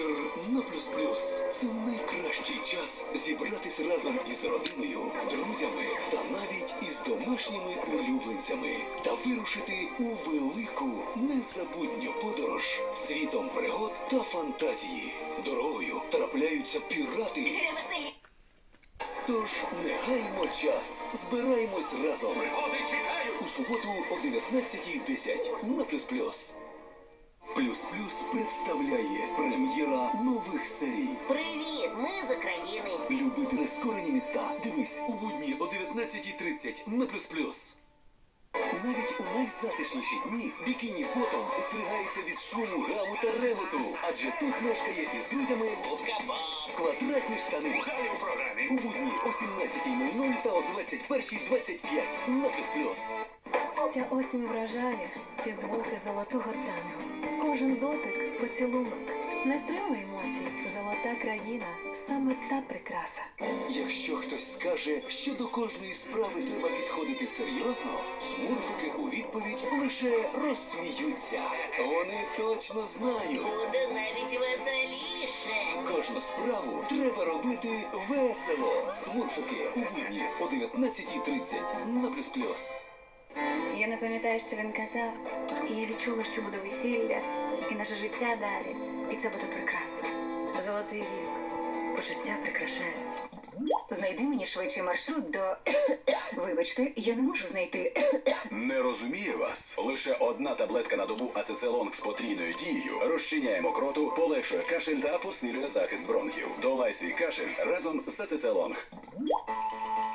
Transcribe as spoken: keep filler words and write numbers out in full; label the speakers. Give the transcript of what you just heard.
Speaker 1: вечір на плюс плюс. Це найкращий час зібратись разом із родиною, друзями та навіть із домашніми улюбленцями та вирушити у велику незабутню подорож світом пригод та фантазії. Дорогою трапляються пірати. Тож не гаймо час, збираємось разом.
Speaker 2: Пригоди чекають!
Speaker 1: У суботу о дев'ятнадцятій десять на плюс плюс. Плюс плюс представляє прем'єра нових серій.
Speaker 3: Привіт, ми з України.
Speaker 1: Любити нескорені міста. Дивись у будні о дев'ятнадцятій тридцять на плюс плюс. Навіть у найзатишніші дні бікіні Ботом здригається від шуму, гаму та реготу. Адже тут мешкає із друзями квадратні штани.
Speaker 2: Далі у програмі.
Speaker 1: У будні о сімнадцятій нуль нуль та о двадцять першій двадцять п'ять на плюс плюс.
Speaker 4: Ця осінь вражає під звуки золотого танго. Кожен дотик – поцілунок. Не стримуй емоцій. Золота країна – саме та прикраса.
Speaker 1: Якщо хтось скаже, що до кожної справи треба підходити серйозно, смурфики у відповідь лише розсміються. Вони точно знають.
Speaker 3: Буде навіть веселіше.
Speaker 1: Кожну справу треба робити весело. Смурфики у будні о дев'ятнадцятій тридцять на плюс плюс.
Speaker 4: Я не пам'ятаю, що він казав, і я відчула, що буде весілля, і наше життя далі. І це буде прекрасно. Золотий вік. Почуття прикрашають. Знайди мені швидший маршрут до... Вибачте, я не можу знайти...
Speaker 2: Не розумію вас. Лише одна таблетка на добу ацецелонг з потрійною дією розчиняє мокроту, полегшує кашель та посилює захист бронхів. Долай свій кашель разом з ацецелонг.